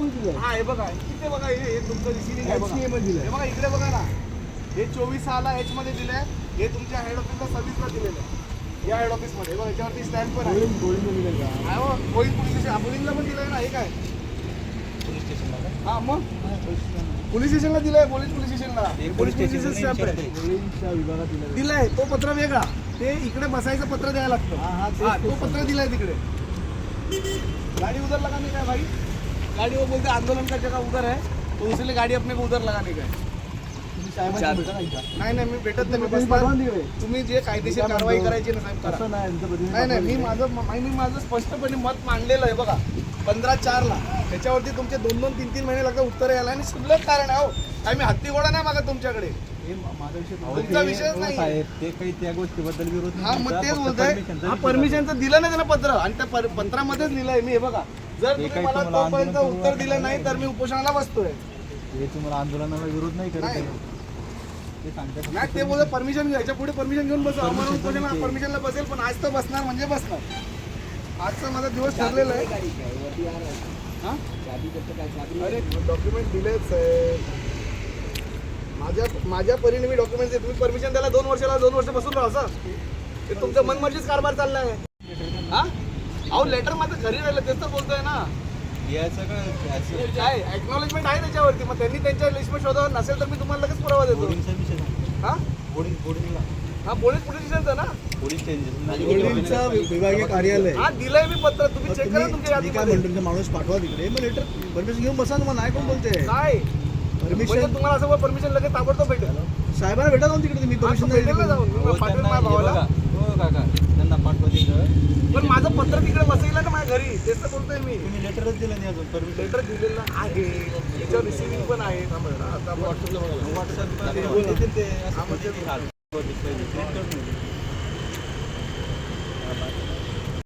दिलं. हा हे बघा इथे बघा हे तुमचं रिसिव्हिंग आहे बघा. HCA मध्ये दिलंय. हे बघा इकडे बघा ना, हे 24/6 H मध्ये दिलंय. हे तुमच्या हेड ऑफिसला सर्व्हिसला दिलेलं आहे. या हेड ऑफिसमध्ये बघा याच्यावरती स्टॅम्प पण आहे. गोळीने दिलं का? आहे हो, गोविंद पोलीस स्टेशन आबोलीला पण दिलंय ना. हे काय पोलीस स्टेशनला हा मग पोलीस स्टेशनला दिलंय. पोलीस स्टेशनला पोलीस स्टेशन स्टॅम्प आहे. गोळींच्या विभागात दिलं. दिलंय तो पत्र वेगळा. ते इकडे बसायचं पत्र द्यायला लागतं. हा, तेच, हा तो तेच. पत्र दिलाय तिकडे. गाड़ी उधर लगाने का है भाई. गाड़ी वो बोलते आंदोलन का जगह उधर है तो इसलिए गाड़ी अपने को उधर लगाने का है. तुम्ही साहेबांना भेटा ना एकदा. नाही मी भेटत नाही. मी तुम्ही बसणार. पाठवा तिकडे. तुम्ही जे कायदेशीर कारवाई करायची ना साहेब करा. असं नाही तुमचं प्रतिनिधी नाही मी पाठवा. माझं स्पष्टपणे मत मांडलेलं आहे बघा 15/4 त्याच्यावरती तुमचे 2-2, 3-3 महिने लागतात उत्तर यायला. आणि शुल्लक कारण आहे हो. काय मी हत्ती घोडा नाही मागत तुमच्याकडे. हे माझा विषय तुमचा विषयच नाही. साहेब ते काही त्या गोष्टीबद्दल विरोध हा नाही मग तुमचा, तेच फक्त बोलतोय. permissionचा हा विषय परमिशनचं दिलं नाही त्यानं पत्र आणि त्या पत्रामध्येच लिहिलंय मी. हे बघा जर तुम्ही काही मला तुम्हाला तोपर्यंत आंदोलन उत्तर करू दिलं नाही तर मी उपोषणाला बसतोय. आहे. हे तुम्हाला आंदोलनाला विरोध नाही करत नाही. आहे. ते सांगतात फक्त नाही ते बोलत परमिशन घ्यायच्या पुढे परमिशन घेऊन बसू. आम्हाला Permission उपोषणाला तर परमिशनला बसेल पण आज तर बसणार म्हणजे बसणार. आजचा माझा दिवस ठरलेला आहे. हा? अरे डॉक्युमेंट दिलेच माझ्या परीने मी डॉक्युमेंट तुम्ही परमिशन द्यायला 2 वर्ष बसून राहा असं. ते तुमचं मनमर्जीच कारभार चाललाय. हा अहो लेटर माझं घरी राहिलं तेच तर बोलतोय ना. याचं काय असं काय एक्नॉलेजमेंट आहे त्याच्यावरती. मग त्यांनी त्यांच्या लिस्टमध्ये शोधावं नसेल तर मी तुम्हाला लगेच पुरावा देतो. बोर्डिंगचा विषय सांगा. हा बोर्डिंगला हा पोलीस स्टेशनचं ना. पोलीस गोळींचं विभागीय कार्यालय. हा दिलंय मी पत्र. तुम्ही चेक करा तुमच्या मी काय यादीमध्ये. म्हणतो तुमचा माणूस पाठवा तिकडे. मग लेटर परमिशन घेऊन बसा. मग नाही कोण बोलते काय परमिशन. म्हणजे तुम्हाला असं परमिशन लगेच ताबडतोब भेटेल. साहेबांना भेटा जाऊन तिकडे. मी परमिशन भेटेल ना जाऊन. मी पाठवेल माझ्या भावाला. हो काका त्यांना पाठवा तिथं. पण माझं पत्र तिकडे बसलेलं ना माझ्या घरी. तेच तर बोलतोय मी. तुम्ही लेटरच दिलं नाही अजून परमिशन. लेटर दिलेलं आहे. त्याच्यावर रिसिव्हिंग पण आहे. थांबा जरा. आता आपण व्हॉट्सअप ते असं हा, म्हणजे प्रिंट करून